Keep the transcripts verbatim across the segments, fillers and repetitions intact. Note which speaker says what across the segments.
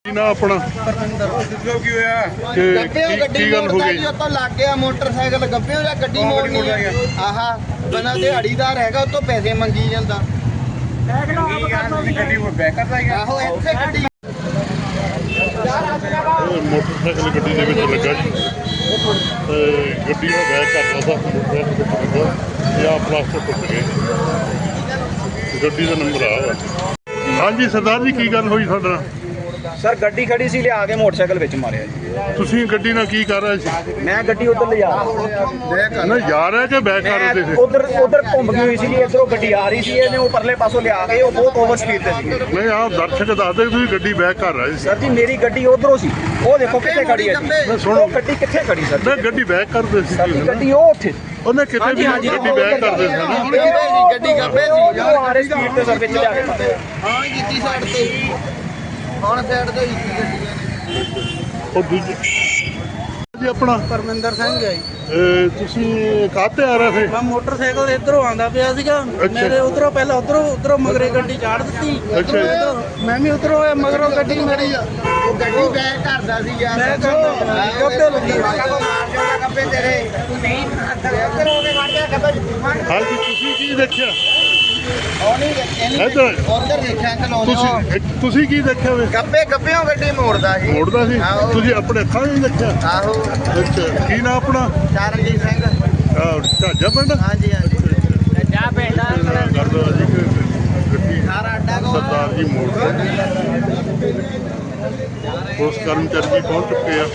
Speaker 1: ना अपना
Speaker 2: की होया
Speaker 3: गप्पियों गड्डी मोड़दा जी उत्तों लग गया मोटरसाइकिल गप्पियों या गड्डी मोड़नी आहा बना दिहाड़ीदार हैगा उत्तों पैसे मंगी ਜਾਂਦਾ
Speaker 2: गड्डी वो बैक करदा है
Speaker 3: आहो ਇੱਥੇ ਗੱਡੀ
Speaker 1: मोटरसाइकिल गड्डी ਦੇ ਵਿੱਚ ਲੱਗਾ ਜੀ ਤੇ ਗੱਡੀ ਨੂੰ ਬੈਕ ਕਰਦਾ ਸੀ मोटरसाइकिल ਲੱਗਾ ਜਾਂ ਪਲਾਸਟਿਕ ਟੁੱਟ ਗਏ ਗੱਡੀ ਦਾ ਨੰਬਰ ਆ ਹਾਂਜੀ ਸਰਦਾਰ ਜੀ ਕੀ ਗੱਲ ਹੋਈ ਤੁਹਾਡੇ ਨਾਲ
Speaker 4: सर गड्डी खड़ी सी लिया के मोटरसाइकिल विच मारिया जी
Speaker 1: ਤੁਸੀਂ ਗੱਡੀ ਨਾਲ ਕੀ ਕਰ ਰਹੇ ਸੀ
Speaker 4: मैं गड्डी उधर ले जा
Speaker 1: ਨਾ ਜਾ ਰਹੇ ਕਿ ਬੈਕ ਕਰ ਰਹੇ ਸੀ
Speaker 4: उधर उधर घूम गई हुई सी इधरों गड्डी आ रही सी ਇਹਨੇ ਉਹ ਪਰਲੇ ਪਾਸੋਂ ਲਿਆ ਕੇ ਉਹ ਬਹੁਤ ਓਵਰ ਸਪੀਡ ਤੇ ਸੀ
Speaker 1: ਨਹੀਂ ਆਪ ਦਰਸ਼ਕ ਦੱਸਦੇ ਤੁਸੀਂ ਗੱਡੀ ਬੈਕ ਕਰ ਰਹੇ ਸੀ
Speaker 4: ਸਰ ਜੀ ਮੇਰੀ ਗੱਡੀ ਉਧਰੋਂ ਸੀ ਉਹ ਦੇਖੋ ਕਿੱਥੇ ਖੜੀ ਹੈ ਜੀ
Speaker 1: ਸੁਣੋ
Speaker 4: ਉਹ ਗੱਡੀ ਕਿੱਥੇ ਖੜੀ ਸਰ
Speaker 1: ਮੈਂ ਗੱਡੀ ਬੈਕ ਕਰਦੇ ਸੀ
Speaker 4: ਸਾਡੀ ਗੱਡੀ ਉਹ ਉੱਥੇ
Speaker 1: ਉਹਨੇ ਕਿਤੇ ਵੀ ਗੱਡੀ ਬੈਕ ਕਰਦੇ ਸੀ ਨਾ
Speaker 3: ਗੱਡੀ ਗੱਪੇ ਸੀ
Speaker 4: ਉਹ ਆ ਰਹੀ ਸਪੀਡ ਤੇ ਸਰ ਵਿੱਚ ਲਿਆ ਕੇ ਮਾਰਿਆ
Speaker 3: ਹਾਂ ਕੀਤੀ ਸਾਈਡ ਤੇ ਹੁਣ ਸਾਈਡ ਤੇ ਕੀਤੀ ਗੱਡੀ
Speaker 1: ਉਹ ਦੂਜੀ ਜੀ ਆਪਣਾ
Speaker 5: ਪਰਮਿੰਦਰ ਸਿੰਘ ਹੈ ਜੀ
Speaker 1: ਇਹ ਤੁਸੀਂ ਕਾਹਤੇ ਆ ਰਹੇ ਸੀ
Speaker 5: ਮੈਂ ਮੋਟਰਸਾਈਕਲ ਇਧਰੋਂ ਆਂਦਾ ਪਿਆ ਸੀਗਾ ਮੇਰੇ ਉਧਰੋਂ ਪਹਿਲਾਂ ਉਧਰੋਂ ਉਧਰੋਂ ਮਗਰੇ ਗੱਡੀ ਚਾੜ ਦਿੱਤੀ
Speaker 1: ਅੱਛਾ ਜੀ।
Speaker 5: ਮੈਂ ਵੀ ਉਧਰੋਂ ਆਇਆ ਮਗਰੋਂ ਗੱਡੀ ਮੇਰੀ
Speaker 3: ਉਹ ਗੱਡੀ ਬੈਕ ਕਰਦਾ ਸੀ ਯਾਰ
Speaker 5: ਮੈਂ ਕਰਦਾ ਗੱਪੇ ਲੱਗੀ
Speaker 3: ਮਾਰ ਜਾਣਾ ਗੱਪੇ ਤੇਰੇ ਤੂੰ ਨਹੀਂ ਇੱਧਰ ਹੋ ਕੇ ਮਾਰ ਜਾ ਗੱਪੇ
Speaker 1: ਹਾਂਜੀ ਤੁਸੀਂ ਕੀ ਦੇਖਿਆ
Speaker 3: ਉਹ ਨਹੀਂ ਇਹਨੂੰ
Speaker 1: ਇੱਧਰ
Speaker 3: ਉਧਰ ਦੇਖਿਆ ਅੰਕਲ
Speaker 1: ਤੁਸੀਂ
Speaker 3: ਉਹ
Speaker 1: ਇੱਕ- ਤੁਸੀਂ ਕੀ ਦੇਖਿਆ ਵੇ
Speaker 3: ਗੱਪੇ ਗੱਪਿਓਂ ਗੱਡੀ ਮੋੜਦਾ ਸੀ
Speaker 1: ਮੋੜਦਾ ਸੀ
Speaker 3: ਆਹੋ।
Speaker 1: ਤੁਸੀਂ ਆਪਣੇ ਅੱਖਾਂ ਨਾਲ ਦੇਖਿਆ
Speaker 3: ਆਹੋ
Speaker 1: ਅੱਛਾ ਕੀ ਨਾ ਆਪਣਾ
Speaker 3: ਚਰਨਜੀਤ ਸਿੰਘ
Speaker 1: ਆਹ, ਝਾਜਾ ਪਿੰਡ
Speaker 3: ਹਾਂਜੀ ਹਾਂਜੀ ਜਾ ਪਿੰਡ
Speaker 1: ਕਰਦਾ ਜੀ ਕਿ ਗੱਡੀ
Speaker 3: ਸਾਰਾ ਅੱਡਾ ਕੋ
Speaker 1: ਸਰਦਾਰ ਜੀ ਮੋੜ ਤੇ ਉਸ ਕਰਮਚਾਰੀ ਜੀ ਪਹੁੰਚ ਚੁੱਕੇ ਆ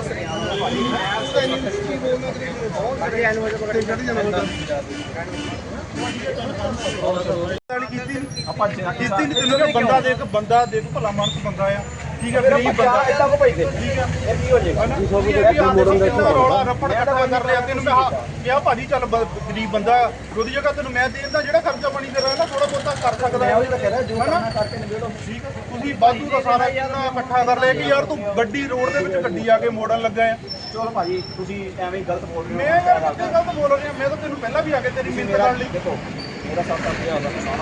Speaker 4: ਆਪਾਂ
Speaker 2: ਕੀਤੀ ਨਹੀਂ ਤੈਨੂੰ ਕਿ ਬੰਦਾ ਦੇਖ ਬੰਦਾ ਦੇਖ ਭਲਾ ਮਾਨਸ ਬੰਦਾ ਆ ਠੀਕ ਹੈ ਗਰੀਬ ਬੰਦਾ
Speaker 4: ਇੱਦਾਂ ਕੋ ਪੈਸੇ
Speaker 2: ਠੀਕ ਹੈ
Speaker 4: ਇਹ ਕੀ ਹੋ ਜਾਏਗਾ
Speaker 2: ਰੌਲਾ ਰੱਪੜ ਇਕੱਠਾ ਕਰ ਲਿਆ ਤੈਨੂੰ ਮੈਂ ਕਿਹਾ ਭਾਜੀ ਚੱਲ ਬ- ਗਰੀਬ ਬੰਦਾ ਉਹਦੀ ਜਗ੍ਹਾ ਤੈਨੂੰ ਮੈਂ ਦੇ ਦਿੰਦਾ ਜਿਹੜਾ ਖਰਚਾ ਪਾਣੀ ਤੇਰਾ ਨਾ ਥੋੜਾ ਬਹੁਤਾ ਕਰ ਸਕਦਾ ਹੈ ਠੀਕ ਹੈ ਤੁਸੀਂ ਵਾਧੂ ਦਾ ਸਾਰਾ ਇਹਨਾਂ ਇਕੱਠਾ ਕਰ ਲਿਆ ਕਿ ਯਾਰ ਤੂੰ ਗੱਡੀ ਰੋਡ ਦੇ ਵਿੱਚ ਗੱਡੀ ਆ ਕੇ ਮੋੜਨ ਲੱਗਾ ਆ
Speaker 4: ਚਲੋ ਭਾਜੀ ਤੁਸੀਂ ਐਵੇਂ ਹੀ ਗਲਤ ਬੋਲ ਰਹੇ
Speaker 2: ਮੈਂ ਯਾਰ ਕਿੱਥੇ ਗਲਤ ਬੋਲ ਰਿਹਾ ਮੈਂ ਤਾਂ ਤੈਨੂੰ ਪਹਿਲਾਂ ਵੀ ਆ ਕੇ ਤੇਰੀ ਮਿਹਨਤ ਕਰਨ ਲਈ
Speaker 4: ਦੇਖੋ ਮੇਰਾ ਸੱਤ ਅੱਠ ਹਜ਼ਾਰ ਦਾ ਨੁਕਸਾਨ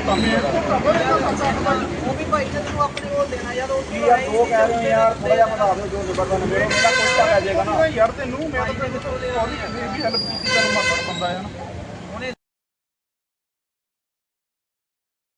Speaker 5: ਉਹ ਵੀ ਭਾਈ ਨੇ ਤੈਨੂੰ ਆਪਣੇ ਕੋਲ ਦੇਣਾ ਯਾਰ ਉਹ
Speaker 4: ਕੀ ਯਾਰ ਦੋ ਕਹਿ ਰਹੇ ਹੋ ਯਾਰ ਥੋੜਾ ਜਿਹਾ ਵਧਾ ਦਿਓ ਜੋ ਜ਼ਬਰਦਸਤ ਮੇਰਾ ਮੇਰਾ ਕੁਛ ਤਾਂ ਪੈ ਜਾਏਗਾ ਨਾ
Speaker 2: ਯਾਰ ਤੈਨੂੰ ਮੈਂ ਤਾਂ ਤੈਨੂੰ ਸੌਰੀ ਵੀ ਹੈਲਪ ਕੀਤੀ ਤੈਨੂੰ ਮਾਤੜ ਬੰਦਾ ਆ ਨਾ